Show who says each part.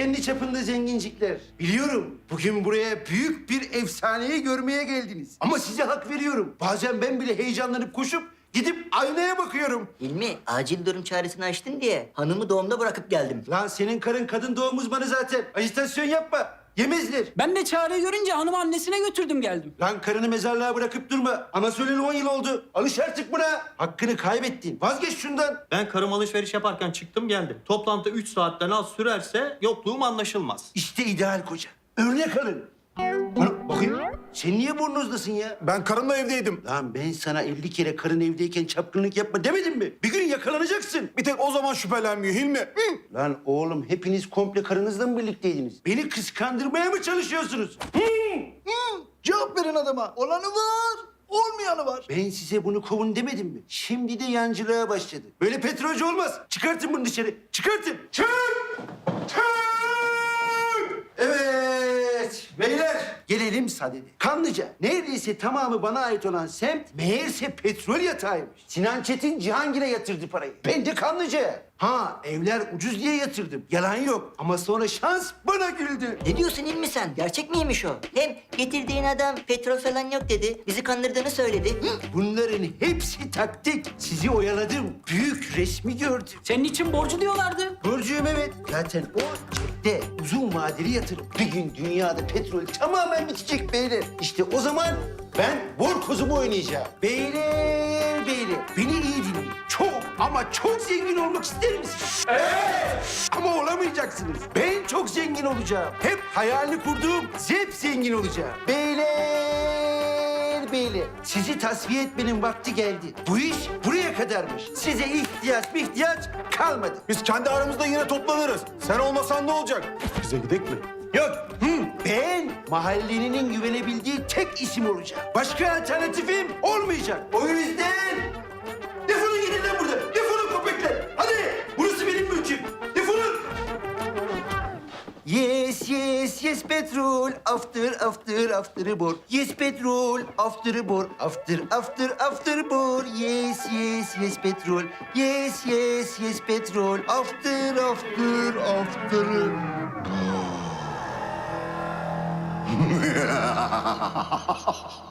Speaker 1: kendi çapında zengincikler. Biliyorum bugün buraya büyük bir efsaneyi görmeye geldiniz. Ama size hak veriyorum. Bazen ben bile heyecanlanıp koşup gidip aynaya bakıyorum.
Speaker 2: Hilmi, acil durum çağrısını açtın diye hanımı doğumda bırakıp geldim.
Speaker 1: Lan senin karın kadın doğum uzmanı zaten. Ajitasyon yapma. Yemezler.
Speaker 3: Ben de Çağrı'yı görünce hanımı annesine götürdüm geldim.
Speaker 1: Lan karını mezarlığa bırakıp durma. Anası öleli 10 yıl oldu. Alış artık buna. Hakkını kaybettin. Vazgeç şundan.
Speaker 4: Ben karım alışveriş yaparken çıktım geldim. Toplantı 3 saatten az sürerse yokluğum anlaşılmaz.
Speaker 1: İşte ideal koca. Örnek alın. Bana bakayım. Sen niye burnuzdasın ya?
Speaker 5: Ben karımla evdeydim.
Speaker 1: Lan ben sana 50 kere karın evdeyken çapkınlık yapma demedim mi? Bir gün yakalanacaksın.
Speaker 5: Bir tek o zaman şüphelenmiyor Hilmi. Hı.
Speaker 1: Lan oğlum hepiniz komple karınızla mı birlikteydiniz? Beni kıskandırmaya mı çalışıyorsunuz?
Speaker 6: Cevap verin adama. Olanı var, olmayanı var.
Speaker 1: Ben size bunu kovun demedim mi? Şimdi de yancılığa başladı. Böyle petrolcü olmaz. Çıkartın bunu dışarı. Çıkartın. Çık! Çık! Evet. Beyler gelelim sadede. Kanlıca. Neredeyse tamamı bana ait olan semt meğerse petrol yatağıymış. Sinan Çetin Cihangir'e yatırdı parayı. Ben de Kanlıca'ya. Ha evler ucuz diye yatırdım. Yalan yok. Ama sonra şans bana güldü.
Speaker 2: Ne diyorsun Hilmi sen? Gerçek miymiş o? Hem getirdiğin adam petrol falan yok dedi. Bizi kandırdığını söyledi. Hı?
Speaker 1: Bunların hepsi taktik. Sizi oyaladım. Büyük resmi gördüm.
Speaker 3: Senin için borcu diyorlardı.
Speaker 1: Borcuyum evet. Zaten o cepte uzun vadeli yatırım. Bir gün dünyada petrol tamamen bitecek beyler. İşte o zaman ben bor kozumu oynayacağım. Beyler, beni iyi dinleyin. Çok ama çok zengin olmak ister misiniz? Evet. Ama olamayacaksınız. Ben çok zengin olacağım. Hep hayalini kurduğum zep zengin olacağım. Beyler, sizi tasfiye etmenin vakti geldi. Bu iş buraya kadarmış. Size ihtiyaç kalmadı.
Speaker 5: Biz kendi aramızda yine toplanırız. Sen olmasan ne olacak? Bize gidek mi?
Speaker 1: Yok. Ben mahallenin güvenebildiği tek isim olacağım. Başka alternatifim olmayacak. O yüzden defolun gidin lan buradan. Defolun köpekler. Hadi. Burası benim mülküm. Defolun. Yes petrol. After bor. Yes petrol. After bor. After bor. Yes petrol. Yes petrol. After.